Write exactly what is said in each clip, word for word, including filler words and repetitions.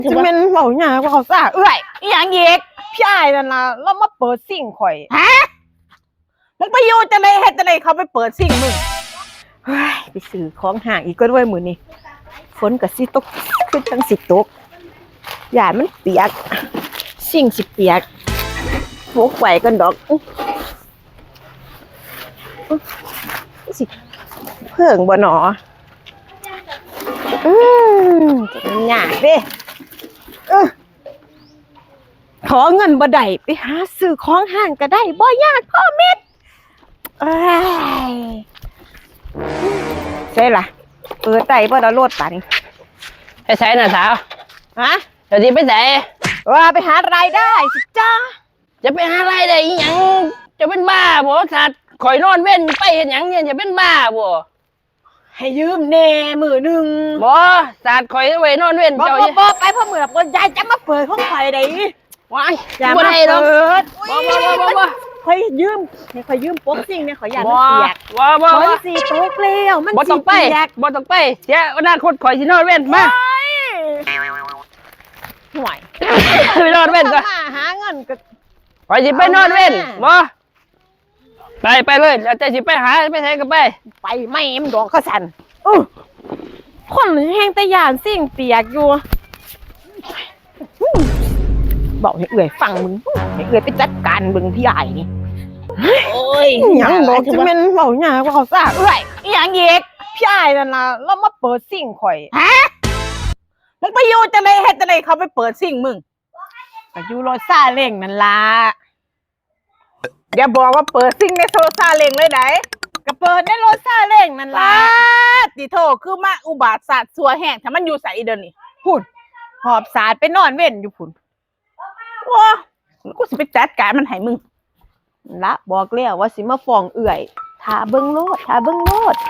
จะเป็นเบาหยาว่าเขาซ่าเอ้ยอีหยังเอกพี่อ้ายนั่นล่ะแล้วมาเปิดซิ่งข่อยฮะมึงไปอยู่จะไหนเฮ็ดจะไหนเขาไปเปิดซิ่งมึงเฮ้ยไปซื้อของห่างอีกก็ด้วยมือนี่ฝนกับสิตกขึ้นจังสิตกหยาดมันเปียกซิ่งสิเปียกโฟกไหวกันดอกสิเพิ่งบ่หนออืมจะมันยากเด้เออขอเงินบ่ได้ไปหาซื้อของห้างก็ได้บ่ยากพ่อเม็ดเอ้ยใช่ล่ะเปิดได้บ่ละโลดป่านี่ไปใส่น่ะสาวฮะเดี๋ยวนี้ไปใส่ว่าไปหารายได้สิจ้าจะไปหาอะไรได้อีหยังจะเป็นบ้าบ่สัตว์ข่อยนอนเว้นไปเห็นหยังเนี่ยจะเป็นบ้าบ่ให้ยืมแน่มือหนึ่งบ่สัตว์ข่อยไว้นอนเว้นบ่เจ้าบ่บ่ไปพ่อมือละคนยายจะมาเปิดของข่อยได้ว้ายอย่าบ่มาได้ดอกเปิดบ่บ่บ่บ่บ่ข่อยยืมให้ข่อยยืมโป๊กซิ่งเนี่ยข่อยอยากบ่มันเปียกบ่บ่ฝนบ่สีตกแล้วมันบ่สีต้องไปเปียกบ่ต้องไปเสียอนาคตข่อยสินอนเว้นมาห่วยไปนอนเว้นซะมาหาเงินก็ข่อยสิไปนอนเว้นเอามาบ่ไปไปเลยแล้วแต่สิไปหาไปไสก็ไปไปไม่มันดอกข้าสันอื้อคนแห้งแต่ยานสิ่งเปียกอยู่บอกให้เอื่อยฟังมึงให้เอื่อยไปจัดการมึงพี่ใหญ่นี่โอ้ยหยังบอกจะเป็นเบาหยาว่าเขาซ่าเอื่อยอีหยังเอกพี่ใหญ่นั่นล่ะแล้วมาเปิดสิ่งข่อยฮะมึงไปอยู่จะไหนเฮ็ดจะไหนเขาไปเปิดสิ่งมึงไปอยู่รถซาเล้งนั่นล่ะอย่าบอกว่าเปิดสิ่งในโซซาเล้งเลยไหนก็เปิดในรถซาเล้งนั่นล่ะติโทคือมาอุบาทศาสตร์สัวแห้งถ้ามันอยู่ใส่เดินนี่พุ่นหอบสาดไปนอนเว้นอยู่พุ่นว้ากูสิไปจัดการมันให้มึงละบอกแล้วว่าสิมาฟ้องเอื่อยทาเบิ้งโลดทาเบิ้งโลด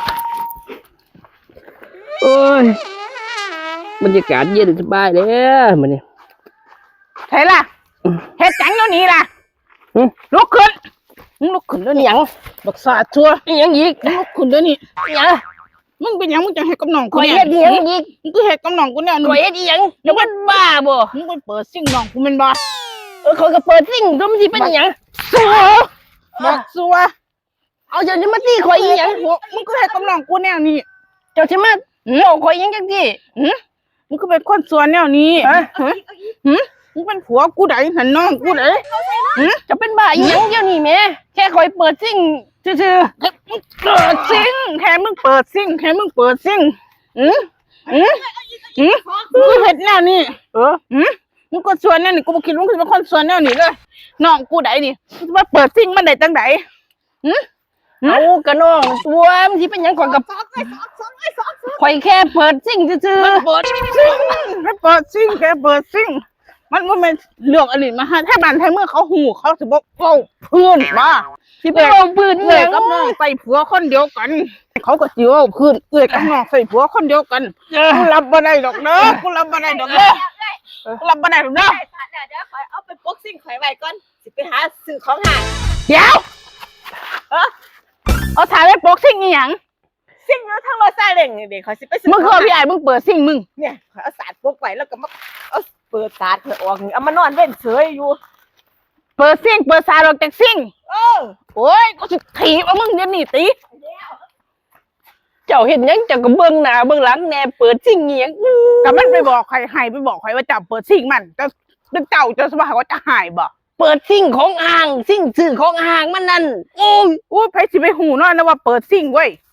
โอ้ยบรรยากาศเย็นสบายเลยมื้อนี้ใช่ล่ะเฮ็ดจังเดี๋ยวนี้ล่ะหึลุกขึ้นมึงลุกขึ้นเดี๋ยวอีนี้หยังบักศาสตร์ชัวอีหยังอีกมึงลุกขึ้นเดี๋ยวนี้อีหยังมึงเป็นหยังมึงจะเฮ็ดกับน้องกูข่อยเนี่ยเฮ็ดอีหยังอีกมึงก็เฮ็ดกับน้องกูเนี่ยข่อยเฮ็ดอีหยังจะเป็นบ้าบ่มึงไปเปิดซิ่งน้องกูแม่นบ่เออข่อยก็เปิดซิ่งก็มันสิเป็นอีหยังสัวบักสัวเอาเจ้าจะมาตีข่อยอีหยังมึงก็เฮ็ดกับน้องกูแนวนี้เจ้าสิมาโง่ข่อยอีหยังจังซี่มึงก็เป็นคนสัวแนวนี้ฮะฮะหึมึงเป็นผัวกูไดหันน้องกูไดจะเป็นบ้าอีหยังเดี๋ยวนี้แหม่แค่ข่อยเปิดซิ่งซื่อเปิดซิ่งแค่มึงเปิดซิ่งแค่มึงเปิดซิ่งอืมอืมอืมมึงเห็ดแนวนี้ๆเอออืมมึงก็ส่วนแนวนี้กูบอกคิดว่ามึงเป็นคนส่วนแนวนี้เลยน้องกูไดนี่มึงจะมาเปิดซิ่งมันได้ตั้งไหนอืมเอากระน้องตัวมันสิเป็นหยังข่อยกับข่อยแค่เปิดซิ่งซื่อมันเปิดซิ่งแค่เปิดซิ่งแค่เปิดซิ่งมันมันเป็นเรื่องอะไรมาฮะถ้าบ้านไทยเมื่อเขาหูเขาจะบอกเอ้าเพื่อนมาๆสิไปเอาปืนเอื้อยกับน้องใส่ผัวคนเดียวกัน เขาก็จิ๋วเอาพื้นเอื้อยกับน้องใส่ผัวคนเดียวกันเออกูรับบ่ได้ดอกเด้อกูรับบ่ได้ดอกเด้อกูรับบ่ได้ดอกเด้อเดี๋ยวเดี๋ยวข่อยเอาไปโป๊กซิ่งข่อยไว้ก่อนสิไปหาซื้อของห่างเดี๋ยวเอาถ่ายไว้โป๊กซิ่งอีหยังซิ่งอยู่ทางรถซาเล้งนี่เด็กข่อยสิไปซื้อมึงคือพี่ไอ้มึงเปิดซิ่งมึงเนี่ยข่อยเอาสาดโป๊กไว้แล้วก็มาเอาเปิดสาดข่อยออกนี่เอามานอนเว้นเฉยอยู่เปิดซิ่งเปิดสายออกจากซิ่งเออโอ้ยกูสิถีบเอามึงเดี๋ยวนี้ติเจ้าเห็นหยังเจ้าก็เบิ่งหน้าเบิ่งหลังแน่เปิดซิ่งอีหยังอื้อก็มันไปบอกใครให้ไปบอกใครว่าจับเปิดซิ่งมันจะเจ้าจะสบายว่าจะหายบ่เปิดซิ่งของอ่างซิ่งซื้อของอ่างมันนั่นโอ้ยโอ้ยไผสิไปหูน้อยนะว่าเปิดซิ่งเว้ย